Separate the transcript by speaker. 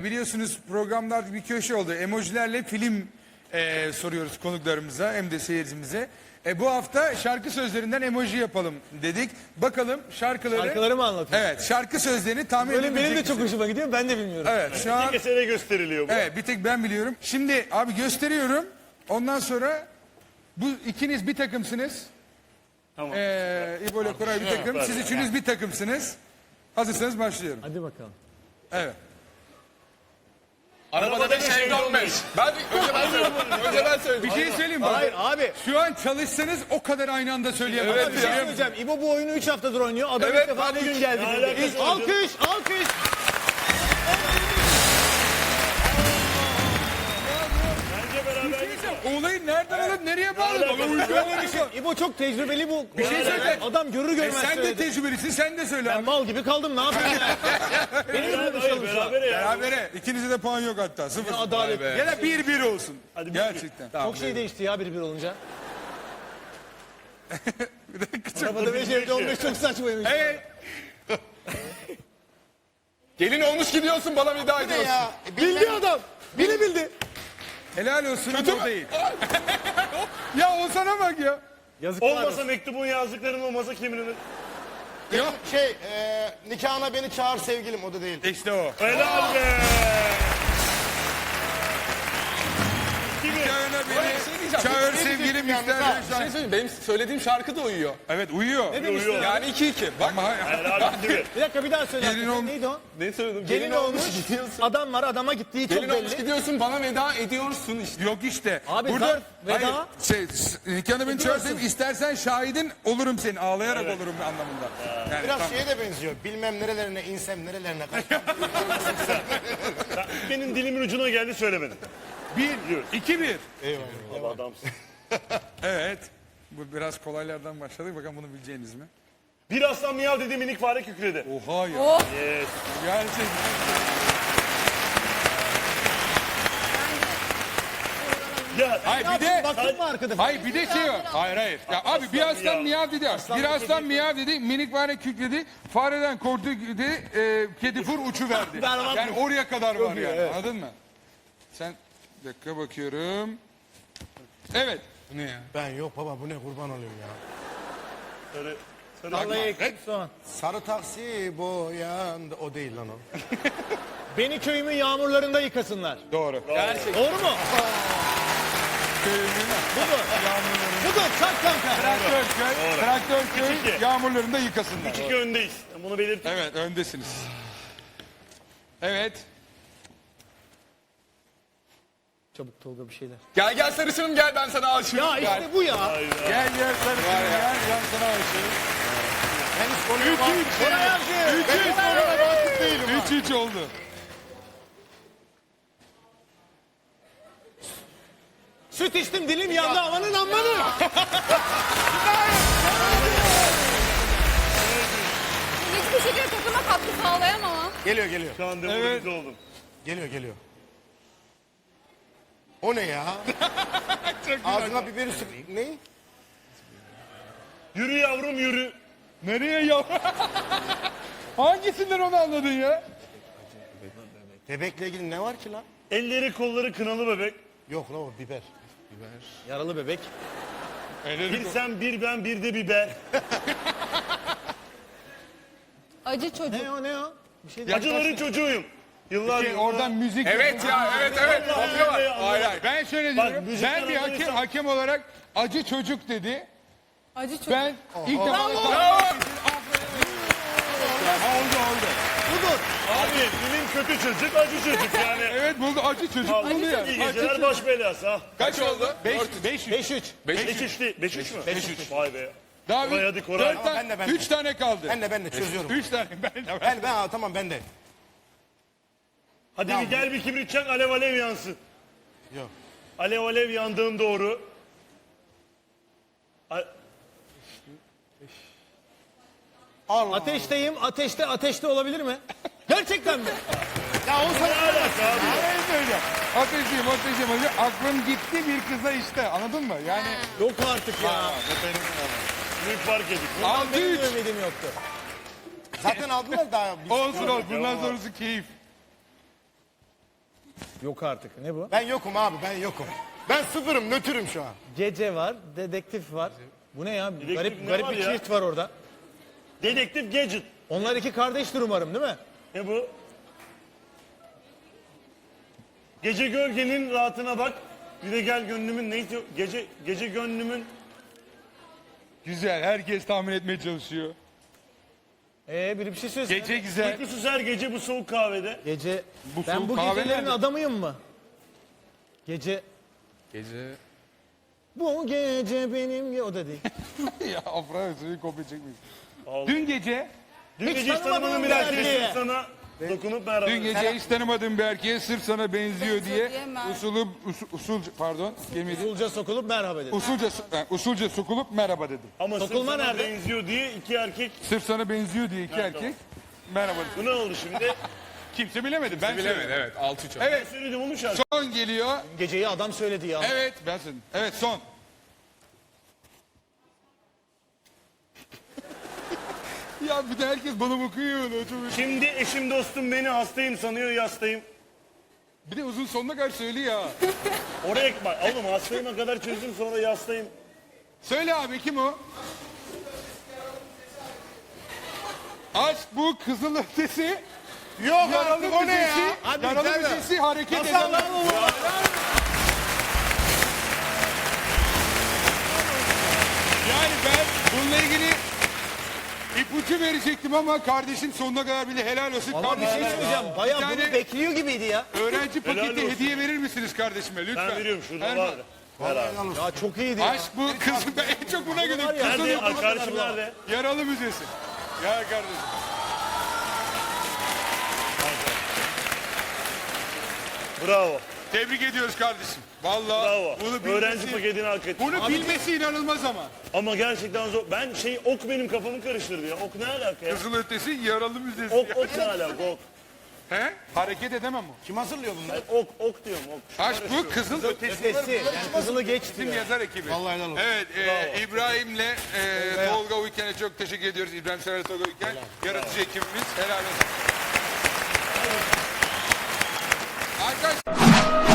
Speaker 1: Biliyorsunuz programlarda bir köşe oldu. Emojilerle film soruyoruz konuklarımıza hem de seyircimize. Bu hafta şarkı sözlerinden emoji yapalım dedik. Bakalım
Speaker 2: Şarkıları mı anlatıyorsun?
Speaker 1: Evet, şarkı sözlerini tahmin
Speaker 2: Böyle
Speaker 1: edebilecek
Speaker 2: benim de çok
Speaker 1: misiniz?
Speaker 2: hoşuma gidiyor, ben de bilmiyorum.
Speaker 1: Evet, şu an
Speaker 3: Bir kere gösteriliyor bu.
Speaker 1: evet, bir tek ben biliyorum. Şimdi abi gösteriyorum. Ondan sonra bu ikiniz bir takımsınız.
Speaker 3: Tamam.
Speaker 1: İbo ile Koray bir takım. Siz üçünüz bir takımsınız. Hazırsanız başlıyorum.
Speaker 2: Hadi bakalım.
Speaker 1: Evet.
Speaker 4: Arabada bir şey dönmüş. Önce ben söyleyeyim.
Speaker 1: Bir şey söyleyeyim mi?
Speaker 2: Hayır abi.
Speaker 1: Şu an çalışsanız o kadar aynı anda söyleyemezsiniz.
Speaker 2: Bir şey söyleyeceğim. İbo bu oyunu 3 haftadır oynuyor. Adam
Speaker 4: Evet,
Speaker 2: ilk defa bugün geldi.
Speaker 3: alakası var
Speaker 2: Alkış, alkış.
Speaker 3: Bence beraber
Speaker 1: Olayı nereden alıp nereye bağladın?
Speaker 2: İbo çok tecrübeli bu.
Speaker 1: Bir şey söyle.
Speaker 2: Adam görür görmez
Speaker 1: Sen de
Speaker 2: söyledi.
Speaker 1: tecrübelisin, sen de söyle
Speaker 2: Ben
Speaker 1: abi.
Speaker 2: mal gibi kaldım, ne yapayım ya?
Speaker 3: beraber ya.
Speaker 1: Berabere. İkinize de puan yok hatta. Sıfır.
Speaker 2: Adalet.
Speaker 1: Ya da 1-1 olsun.
Speaker 3: Hadi bir-
Speaker 1: Gerçekten.
Speaker 2: Çok şey değişti ya bir olunca.
Speaker 1: Bir dakika.
Speaker 2: Arabada 5 evde 15 çok saçmaymış.
Speaker 1: Evet.
Speaker 4: Gelin olmuş gidiyorsun bana veda ediyorsun.
Speaker 2: Bildi adam. Biri bildi.
Speaker 1: Helal olsun
Speaker 4: Kötü
Speaker 1: ama o
Speaker 4: mü?
Speaker 1: değil. Ya o sana bak ya.
Speaker 2: Yazıklar olsun.
Speaker 3: Olmasa mektubun yazdıkların olmasa kim bilir.
Speaker 5: Nikahına beni çağır sevgilim, o da değil.
Speaker 1: İşte o.
Speaker 3: Helal be.
Speaker 1: Çağırına beni. Çağır sevgilim
Speaker 4: Bir
Speaker 1: istersen.
Speaker 4: şey söyleyeyim. Benim söylediğim şarkı da uyuyor.
Speaker 1: Evet uyuyor.
Speaker 3: Uyuyor.
Speaker 4: Yani 2-2. Bak
Speaker 1: Ama
Speaker 3: Helal gibi.
Speaker 2: Bir dakika bir daha söyle.
Speaker 1: Gelin olmuş.
Speaker 2: Neydi o?
Speaker 4: ne söyledim?
Speaker 2: Gelin olmuş. Adam var, adama gittiği çok
Speaker 4: Gelin olmuş
Speaker 2: belli.
Speaker 4: gidiyorsun bana veda ediyorsun işte.
Speaker 1: yok işte.
Speaker 2: Abi zarf, veda.
Speaker 1: Hayır, nikahına beni çağırsın istersen şahidin olurum senin. Ağlayarak olurum anlamında. Yani,
Speaker 5: Biraz
Speaker 1: tamam.
Speaker 5: şeye de benziyor. Bilmem nerelerine insem nerelerine kaçsam.
Speaker 3: Benim dilimin ucuna geldi söylemedim.
Speaker 1: 1-2-1.
Speaker 3: Eyvallah. Adamsın.
Speaker 1: Evet. Bu biraz kolaylardan başladık. Bakalım bunu bileceğiniz mi?
Speaker 3: Bir aslan miyav dedi minik fare kükredi.
Speaker 1: Oha ya.
Speaker 3: Yes.
Speaker 1: Gerçekten.
Speaker 3: Ya
Speaker 1: Hayır bir de...
Speaker 2: Baktın mı arkada?
Speaker 1: Hayır bir de şey var. Hayır hayır. Ya abi bir aslan
Speaker 3: miyav.
Speaker 1: miyav dedi. Bir aslan miyav dedi. Minik fare kükredi. Fareden korktu dedi. Kedi fır uçu verdi.
Speaker 2: Berbat.
Speaker 1: Yani oraya kadar var yani. Anladın mı? Sen bir dakika bakıyorum. Evet. Bu ne ya?
Speaker 5: Ben yok baba, bu ne, kurban olayım ya.
Speaker 3: Sarı, sarı.
Speaker 2: Vallahi eksik soğan.
Speaker 5: Sarı taksi boyandı, o değil lan o.
Speaker 2: Beni köyümün yağmurlarında yıkasınlar.
Speaker 1: Doğru.
Speaker 2: Doğru mu? Budur, çak kanka.
Speaker 1: Traktör köy
Speaker 3: 3-2.
Speaker 1: yağmurlarında yıkasınlar.
Speaker 3: 2 öndeyiz. Bunu belirttim.
Speaker 1: Evet öndesiniz. Evet.
Speaker 2: Çabuk Tolga bir şeyler.
Speaker 4: Gel gel sarışınım gel ben sana aşığım.
Speaker 2: Ya
Speaker 4: Gel.
Speaker 2: işte bu ya.
Speaker 1: Gel gel sarışın gel. Ben sana aşığım.
Speaker 5: Henüz konuya vakıf
Speaker 2: Koray Avcı.
Speaker 5: konuya vakıf değilim ha.
Speaker 1: 3-3 oldu.
Speaker 2: Süt içtim, dilim yandı, amanın ammanı.
Speaker 6: Hiçbir şekilde takıma katkı sağlayamam ama.
Speaker 5: Geliyor geliyor.
Speaker 3: Şu an demoralize oldum.
Speaker 5: Geliyor geliyor. O ne ya? Ağzına biberi sık. Ne?
Speaker 3: Yürü yavrum yürü.
Speaker 1: Nereye ya? Hangisinden onu anladın ya?
Speaker 5: Bebekle ilgili ne var ki lan?
Speaker 3: Elleri kolları kınalı bebek.
Speaker 5: Yok lan, o biber.
Speaker 2: Yaralı bebek.
Speaker 3: Bir sen bir ben bir de biber.
Speaker 6: Acı çocuk.
Speaker 2: Ne o? Bir şey değil.
Speaker 3: Acıların çocuğuyum. Yıllar yıllar.
Speaker 1: Oradan müzik.
Speaker 4: Evet ya evet. Kopya var.
Speaker 3: Hayır hayır.
Speaker 1: Ben şöyle
Speaker 3: Bak,
Speaker 1: diyorum.
Speaker 3: müzikten
Speaker 1: Ben bir
Speaker 3: anlarsan-
Speaker 1: hakem olarak acı çocuk dedi.
Speaker 6: Acı çocuk.
Speaker 1: Ben ilk defa...
Speaker 2: Budur.
Speaker 3: Abi dilim kötü çocuk acı çocuk yani.
Speaker 1: Evet buldu acı çocuk
Speaker 3: Al,
Speaker 1: buldu ya.
Speaker 3: İyi geceler baş belası ha.
Speaker 4: Kaç oldu?
Speaker 2: 5-3.
Speaker 3: 5-3 değil 5-3 mü? 5-3. Vay be.
Speaker 1: Daha
Speaker 3: Koray, hadi Koray.
Speaker 5: Ben de.
Speaker 1: 3 tane kaldı.
Speaker 5: Ben de çözüyorum.
Speaker 1: 3 tane.
Speaker 5: Ben tamam, ben de.
Speaker 3: Hadi bir gel bir kibrit çak alev alev yansın.
Speaker 5: Yok.
Speaker 3: Alev alev yandığın doğru.
Speaker 2: Ateşteyim, ateşte olabilir mi? Gerçekten mi?
Speaker 5: Ya o
Speaker 3: Ne
Speaker 5: sana
Speaker 3: alaka abi?
Speaker 1: Ben söyleyeceğim. Ateşliyim. Aklım gitti bir kıza işte. Anladın mı? Yani
Speaker 2: Yok artık ya.
Speaker 3: Büyük fark edik.
Speaker 2: Benim
Speaker 1: 6-3.
Speaker 2: ümidim yoktu.
Speaker 5: zaten aldılar daha.
Speaker 1: Olsun olsun. Bundan sonrası keyif.
Speaker 2: Yok artık. Ne bu?
Speaker 5: Ben yokum abi, ben yokum. Ben sıfırım, nötrüm şu an.
Speaker 2: Gece var, dedektif var. Bu ne ya?
Speaker 3: Dedektif
Speaker 2: Garip
Speaker 3: ne
Speaker 2: garip
Speaker 3: var
Speaker 2: bir
Speaker 3: ya?
Speaker 2: çift var orada.
Speaker 3: Dedektif Gadget.
Speaker 2: Onlar iki kardeştir umarım değil mi?
Speaker 3: Ne bu? Gece gölgenin rahatına bak. Bir de gel gönlümün neydi? Gece gönlümün
Speaker 1: Güzel. Herkes tahmin etmeye çalışıyor.
Speaker 2: Biri bir şey söylesin.
Speaker 1: Gece güzel.
Speaker 3: uykusuz her gece bu soğuk kahvede.
Speaker 2: Gece.
Speaker 1: Bu
Speaker 2: Ben
Speaker 1: soğuk
Speaker 2: bu
Speaker 1: kahve
Speaker 2: gecelerin
Speaker 1: nerede?
Speaker 2: adamıyım mı? Gece.
Speaker 1: Gece.
Speaker 2: Bu gece benim... O da değil.
Speaker 1: Ya Afra seni kopya çekmeyiz.
Speaker 3: Allah.
Speaker 1: Dün gece.
Speaker 3: Dün
Speaker 2: Hiç
Speaker 3: gece hiç
Speaker 2: tanımadığım
Speaker 3: tanımadığım bir
Speaker 2: bir
Speaker 3: erkeğe
Speaker 2: erkeğe.
Speaker 3: sana dokunup merhaba.
Speaker 1: Dün gece hiç tanımadığım bir erkeğe sırf sana benziyor diye usulca pardon kelimeyi
Speaker 2: Usulca sokulup merhaba dedi.
Speaker 1: usulca sokulup merhaba dedim.
Speaker 3: Ama
Speaker 2: Sokulma
Speaker 3: sırf sana
Speaker 2: nerede?
Speaker 3: benziyor diye iki erkek.
Speaker 1: Sırf sana benziyor diye iki erkek merhaba dedim.
Speaker 3: Bu ne oldu şimdi?
Speaker 1: Kimse bilemedi. Ben
Speaker 4: Bilemedi
Speaker 1: söyledim.
Speaker 4: evet 6-3 oldu.
Speaker 1: Evet.
Speaker 3: Söyledim onu şarkı.
Speaker 1: Son geliyor.
Speaker 2: Geceyi adam söyledi ya.
Speaker 1: Evet ben söyledim. Evet son. Ya bir de herkes bana bakıyor öyle.
Speaker 3: Şimdi eşim dostum beni hastayım sanıyor yastayım.
Speaker 1: Bir de uzun sonuna kadar söyle ya.
Speaker 3: Oraya bak oğlum hastayıma kadar çözdüm sonra yastayım.
Speaker 1: Söyle abi kim o? Aşk bu kızıl ötesi.
Speaker 5: Yok
Speaker 1: Yaralı
Speaker 5: artık, o ne ya?
Speaker 1: müzesi.
Speaker 2: Hadi
Speaker 1: Yaralı
Speaker 2: biter mi?
Speaker 1: müzesi hareket
Speaker 5: Nasıl
Speaker 1: eden.
Speaker 5: anladın bu?
Speaker 1: Yani ben bununla ilgili ipucu verecektim ama kardeşim sonuna kadar bile helal olsun.
Speaker 2: Ama bir şey
Speaker 1: Kardeşim
Speaker 2: söyleyeceğim. Bayağı
Speaker 1: bir
Speaker 2: bunu
Speaker 1: tane
Speaker 2: bekliyor gibiydi ya.
Speaker 1: öğrenci
Speaker 3: Helal
Speaker 1: paketi
Speaker 3: olsun.
Speaker 1: hediye verir misiniz kardeşime lütfen?
Speaker 3: Ben veriyorum şurada
Speaker 1: Erman.
Speaker 3: var. Ver abi.
Speaker 2: Ya çok iyiydi ya.
Speaker 1: Aşk bu kız ben en çok buna gülüyorum.
Speaker 2: Var ya,
Speaker 1: Kızıl
Speaker 3: Nerede?
Speaker 1: ötesi.
Speaker 3: Arkadaşım nerede?
Speaker 1: Yaralı müzesi. Ya kardeşim.
Speaker 3: Bravo.
Speaker 1: Tebrik ediyoruz kardeşim. Vallahi
Speaker 3: Bravo.
Speaker 1: bunu
Speaker 3: Öğrenci
Speaker 1: bilmesi,
Speaker 3: paketini hak etti.
Speaker 1: bunu bilmesi inanılmaz ama.
Speaker 3: Ama gerçekten zor. Ben ok benim kafamı karıştırdı ya. Ok ne alaka ya?
Speaker 1: Kızıl ötesi yaralı müzesi.
Speaker 3: Ok ne alaka ok?
Speaker 1: He? Hareket edemem o.
Speaker 5: Kim hazırlıyor bunları?
Speaker 3: Ok diyorum ok.
Speaker 1: Aşk bu kızıl ötesi.
Speaker 2: Ötesi. Yani kızılı geçti.
Speaker 1: Bizim yazar ekibi.
Speaker 5: Vallahi helal olsun.
Speaker 1: Evet, İbrahim'le Tolga Uyken'e çok teşekkür ediyoruz. İbrahim Sever Tolga Uyken, yaratıcı ekibimiz. Helal olsun. Arkadaşlar.